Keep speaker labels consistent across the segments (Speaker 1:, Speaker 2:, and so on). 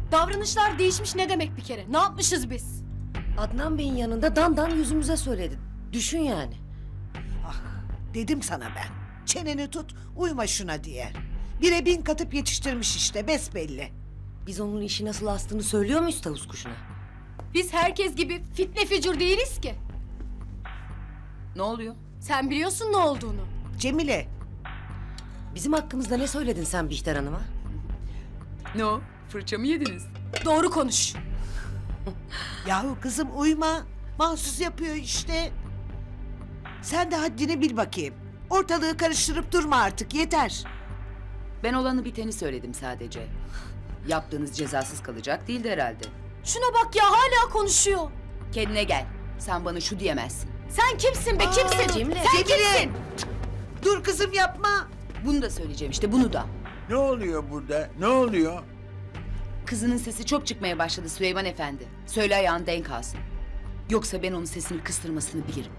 Speaker 1: Davranışlar değişmiş ne demek bir kere? Ne yapmışız biz?
Speaker 2: Adnan Bey'in yanında dandan yüzümüze söyledi. Düşün yani.
Speaker 3: Ah, dedim sana ben. Çeneni tut, uyma şuna diye. Bire bin katıp yetiştirmiş işte, besbelli.
Speaker 2: Biz onun işi nasıl astığını söylüyor muyuz tavus kuşuna?
Speaker 1: Biz herkes gibi fitne fücur değiliz ki.
Speaker 4: Ne oluyor?
Speaker 1: Sen biliyorsun ne olduğunu.
Speaker 3: Cemile,
Speaker 2: Bizim hakkımızda ne söyledin sen Bihter Hanım'a?
Speaker 4: Ne o? Fırça mı yediniz?
Speaker 1: Doğru konuş.
Speaker 3: yahu kızım uyma. Mahsus yapıyor işte. Sen de haddini bil bakayım. Ortalığı karıştırıp durma artık, yeter.
Speaker 4: Ben olanı biteni söyledim sadece. Yaptığınız cezasız kalacak değildi herhalde.
Speaker 1: Şuna bak ya, hala konuşuyor.
Speaker 4: Kendine gel. Sen bana şu diyemezsin.
Speaker 1: Sen kimsin be, kimsin?
Speaker 2: Cemile.
Speaker 1: Sen kimsin?
Speaker 3: Dur kızım yapma.
Speaker 4: Bunu da söyleyeceğim işte, bunu da.
Speaker 5: Ne oluyor burada? Ne oluyor?
Speaker 4: Kızının sesi çok çıkmaya başladı Süleyman Efendi. Söyle ayağın denk alsın. Yoksa ben onun sesini kıstırmasını bilirim.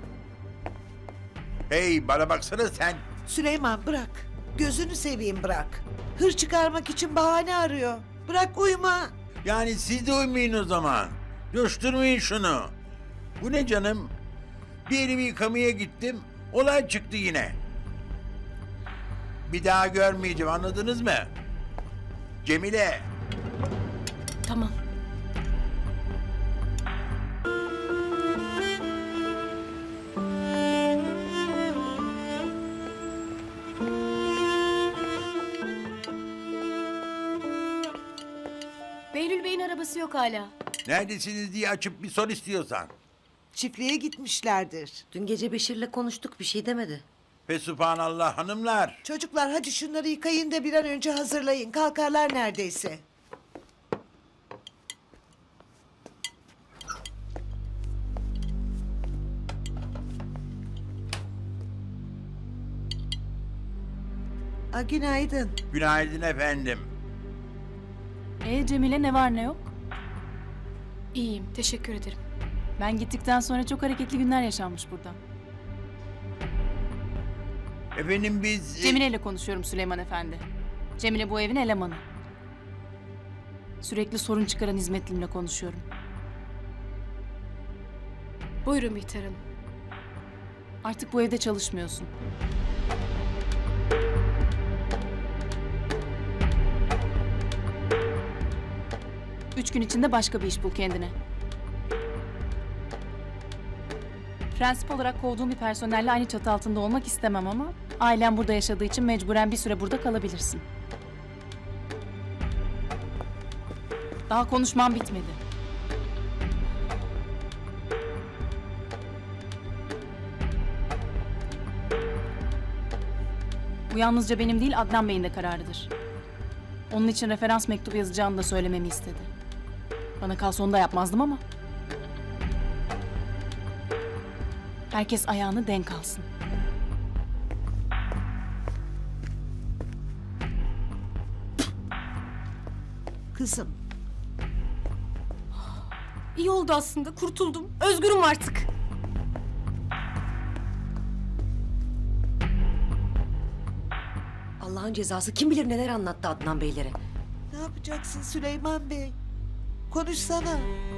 Speaker 5: Hey bana baksana sen.
Speaker 3: Süleyman bırak. Gözünü seveyim bırak. Hır çıkarmak için bahane arıyor. Bırak uyuma.
Speaker 5: Yani siz de uymayın o zaman. Coşturmayın şunu. Bu ne canım? Bir elimi yıkamaya gittim. Olay çıktı yine. Bir daha görmeyeceğim, anladınız mı? Cemile.
Speaker 1: Tamam. Behlül Bey'in arabası yok hala.
Speaker 5: Neredesiniz diye açıp bir sor istiyorsan.
Speaker 3: Çiftliğe gitmişlerdir.
Speaker 2: Dün gece Beşir'le konuştuk, bir şey demedi.
Speaker 5: Fesubhanallah hanımlar.
Speaker 3: Çocuklar hadi şunları yıkayın da bir an önce hazırlayın. Kalkarlar neredeyse. Günaydın.
Speaker 5: Günaydın efendim.
Speaker 6: Cemile ne var ne yok?
Speaker 1: İyiyim, teşekkür ederim.
Speaker 6: Ben gittikten sonra çok hareketli günler yaşanmış burada.
Speaker 5: Efendim biz...
Speaker 6: Cemile ile konuşuyorum Süleyman Efendi. Cemile bu evin elemanı. Sürekli sorun çıkaran hizmetlimle konuşuyorum.
Speaker 1: Buyurun Bihter Hanım.
Speaker 6: Artık bu evde çalışmıyorsun. Üç gün içinde başka bir iş bul kendine. Prensip olarak kovduğum bir personelle aynı çatı altında olmak istemem ama... ...ailen burada yaşadığı için mecburen bir süre burada kalabilirsin. Daha konuşmam bitmedi. Bu yalnızca benim değil, Adnan Bey'in de kararıdır. Onun için referans mektubu yazacağını da söylememi istedi. Bana kalsa onu da yapmazdım ama... Herkes ayağını denk alsın.
Speaker 3: Kızım.
Speaker 1: İyi oldu aslında, kurtuldum. Özgürüm artık.
Speaker 2: Allah'ın cezası kim bilir neler anlattı Adnan Beylere.
Speaker 3: Ne yapacaksın Süleyman Bey? Konuşsana.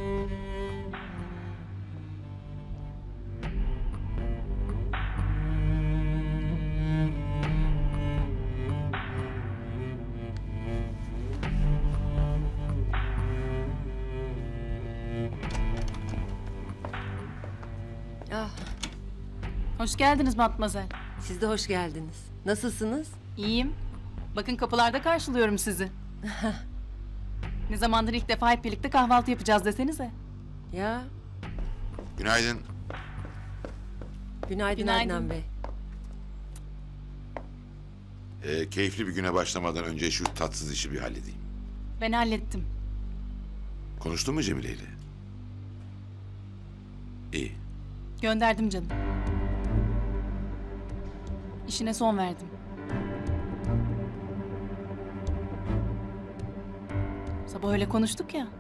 Speaker 2: Ah,
Speaker 6: Hoş geldiniz Matmazel.
Speaker 2: siz de hoş geldiniz. Nasılsınız?
Speaker 6: İyiyim. Bakın kapılarda karşılıyorum sizi. Ne zamandır ilk defa hep birlikte kahvaltı yapacağız desenize.
Speaker 2: Ya,
Speaker 7: Günaydın.
Speaker 2: günaydın,
Speaker 6: Günaydın.
Speaker 2: Adnan Bey.
Speaker 7: Keyifli bir güne başlamadan önce şu tatsız işi bir halledeyim.
Speaker 6: Ben hallettim.
Speaker 7: Konuştun mu Cemile ile? İyi.
Speaker 6: Gönderdim canım. İşine son verdim. Sabah öyle konuştuk ya.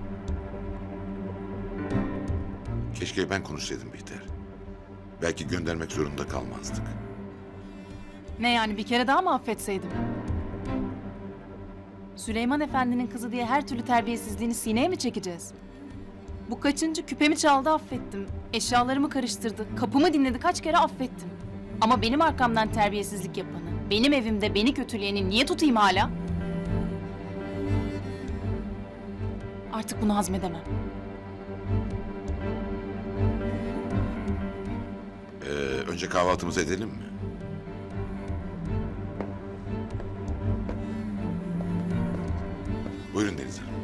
Speaker 7: Keşke ben konuşsaydım Bihter. Belki göndermek zorunda kalmazdık.
Speaker 6: Ne yani, bir kere daha mı affetseydim? Süleyman Efendi'nin kızı diye her türlü terbiyesizliğini sineye mi çekeceğiz? Bu kaçıncı küpemi çaldı affettim. Eşyalarımı karıştırdı. Kapımı dinledi kaç kere affettim. Ama benim arkamdan terbiyesizlik yapanı, benim evimde beni kötüleyeni niye tutayım hala? Artık bunu hazmedemem.
Speaker 7: Önce kahvaltımızı edelim mi? Buyurun Deniz Hanım.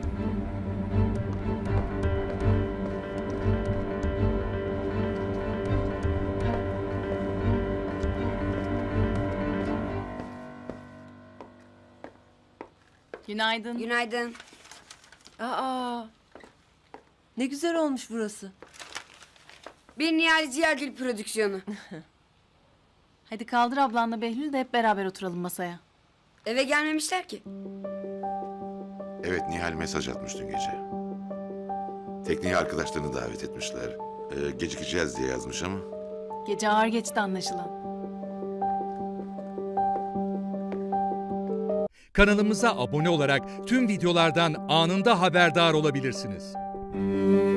Speaker 6: Günaydın.
Speaker 8: Günaydın.
Speaker 2: Aa, ne güzel olmuş burası.
Speaker 8: Bir Nihal Ziyagil prodüksiyonu.
Speaker 6: Hadi kaldır ablanla Behlül de hep beraber oturalım masaya.
Speaker 8: Eve gelmemişler ki.
Speaker 7: Evet, Nihal mesaj atmış dün gece. Tekneye arkadaşlarını davet etmişler. Gecikeceğiz diye yazmış ama.
Speaker 6: Gece ağır geçti anlaşılan.
Speaker 9: Kanalımıza abone olarak tüm videolardan anında haberdar olabilirsiniz.